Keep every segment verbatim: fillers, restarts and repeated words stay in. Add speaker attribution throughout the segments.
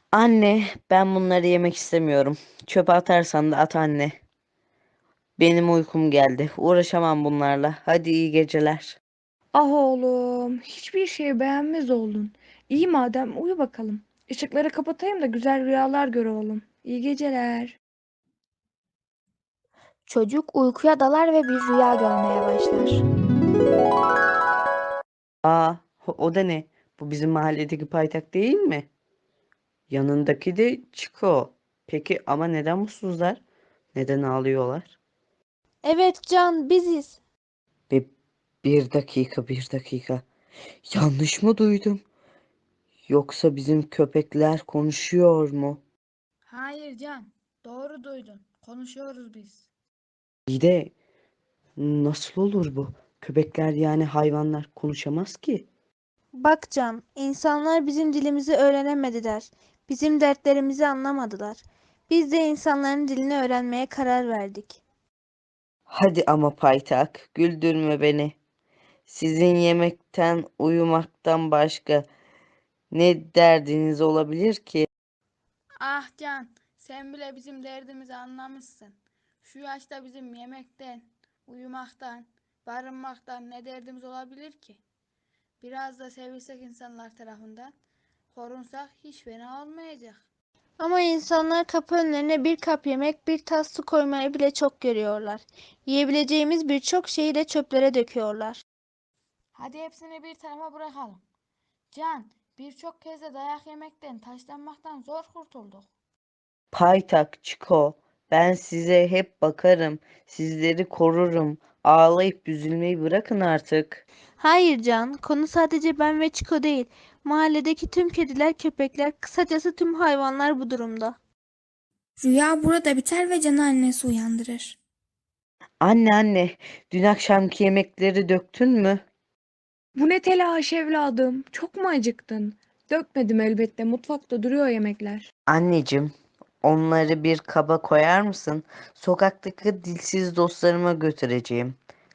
Speaker 1: Anne, ben bunları yemek istemiyorum. Çöpe atarsan da at anne. Benim uykum geldi. Uğraşamam bunlarla. Hadi iyi geceler.
Speaker 2: Ah oğlum, hiçbir şeyi beğenmez oldun. İyi madem uyu bakalım. Işıkları kapatayım da güzel rüyalar gör oğlum. İyi geceler.
Speaker 3: Çocuk uykuya dalar ve bir rüya görmeye başlar.
Speaker 1: Aa, o o da ne? Bu bizim mahalledeki paytak değil mi? Yanındaki de Çiko. Peki ama neden mutsuzlar? Neden ağlıyorlar?
Speaker 3: Evet Can, biziz.
Speaker 1: Bir, bir dakika, bir dakika. Yanlış mı duydum? Yoksa bizim köpekler konuşuyor mu?
Speaker 4: Hayır Can, doğru duydun. Konuşuyoruz biz.
Speaker 1: İyi de nasıl olur bu? Köpekler yani hayvanlar konuşamaz ki.
Speaker 3: Bak Can, insanlar bizim dilimizi öğrenemediler. Bizim dertlerimizi anlamadılar. Biz de insanların dilini öğrenmeye karar verdik.
Speaker 1: Hadi ama paytak, güldürme beni. Sizin yemekten, uyumaktan başka ne derdiniz olabilir ki?
Speaker 4: Ah Can, sen bile bizim derdimizi anlamışsın. Şu yaşta bizim yemekten, uyumaktan, barınmaktan ne derdimiz olabilir ki? Biraz da sevilsek insanlar tarafından, korunsak hiç fena olmayacak.
Speaker 3: Ama insanlar kapı önlerine bir kap yemek, bir tas su koymayı bile çok görüyorlar. Yiyebileceğimiz birçok şeyi de çöplere döküyorlar.
Speaker 4: Hadi hepsini bir tarafa bırakalım. Can, birçok kez de dayak yemekten, taşlanmaktan zor kurtulduk.
Speaker 1: Paytak, Çiko, ben size hep bakarım, sizleri korurum. Ağlayıp üzülmeyi bırakın artık.
Speaker 3: Hayır Can, konu sadece ben ve Çiko değil. Mahalledeki tüm kediler, köpekler, kısacası tüm hayvanlar bu durumda.
Speaker 5: Rüya burada biter ve Can'ı annesi uyandırır.
Speaker 1: Anne anne, dün akşamki yemekleri döktün mü?
Speaker 2: Bu ne telaş evladım? Çok mu acıktın? Dökmedim elbette. Mutfakta duruyor yemekler.
Speaker 1: Anneciğim, onları bir kaba koyar mısın? Sokaktaki dilsiz dostlarıma götüreceğim.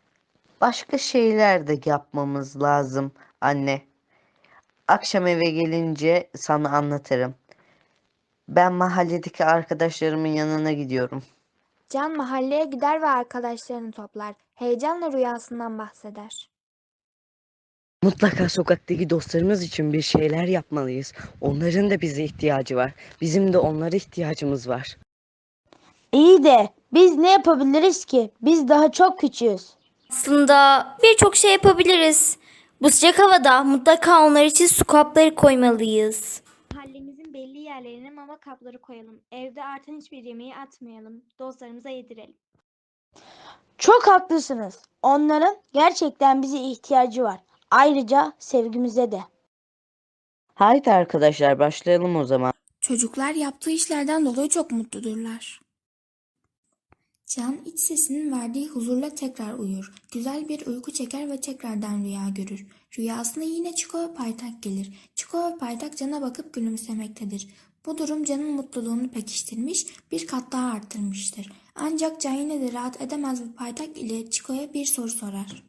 Speaker 1: Başka şeyler de yapmamız lazım anne. Akşam eve gelince sana anlatırım. Ben mahalledeki arkadaşlarımın yanına gidiyorum.
Speaker 3: Can mahalleye gider ve arkadaşlarını toplar. Heyecanla rüyasından bahseder.
Speaker 1: Mutlaka sokaktaki dostlarımız için bir şeyler yapmalıyız. Onların da bize ihtiyacı var. Bizim de onlara ihtiyacımız var.
Speaker 6: İyi de biz ne yapabiliriz ki? Biz daha çok küçüğüz.
Speaker 7: Aslında birçok şey yapabiliriz. Bu sıcak havada mutlaka onlar için su kapları koymalıyız.
Speaker 3: Mahallemizin belli yerlerine mama kapları koyalım. Evde artan hiçbir yemeği atmayalım. Dostlarımıza yedirelim.
Speaker 6: Çok haklısınız. Onların gerçekten bize ihtiyacı var. Ayrıca sevgimize de.
Speaker 1: Haydi arkadaşlar başlayalım o zaman.
Speaker 5: Çocuklar yaptığı işlerden dolayı çok mutludurlar. Can iç sesinin verdiği huzurla tekrar uyur. Güzel bir uyku çeker ve tekrardan rüya görür. Rüyasında yine Çiko ve Paytak gelir. Çiko ve Paytak Can'a bakıp gülümsemektedir. Bu durum Can'ın mutluluğunu pekiştirmiş, bir kat daha arttırmıştır. Ancak Can yine de rahat edemez ve Paytak ile Çiko'ya bir soru sorar.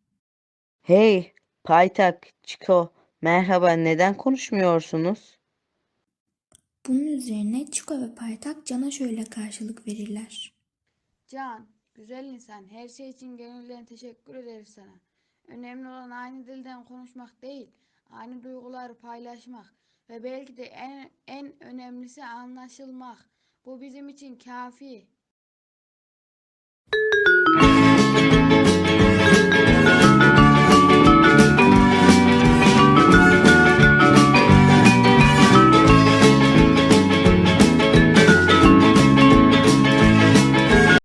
Speaker 1: Hey, Paytak, Çiko, merhaba, neden konuşmuyorsunuz?
Speaker 5: Bunun üzerine Çiko ve Paytak Can'a şöyle karşılık verirler.
Speaker 4: Can, güzel insan, her şey için gönülden teşekkür ederiz sana. Önemli olan aynı dilden konuşmak değil, aynı duyguları paylaşmak ve belki de en, en önemlisi anlaşılmak. Bu bizim için kafi.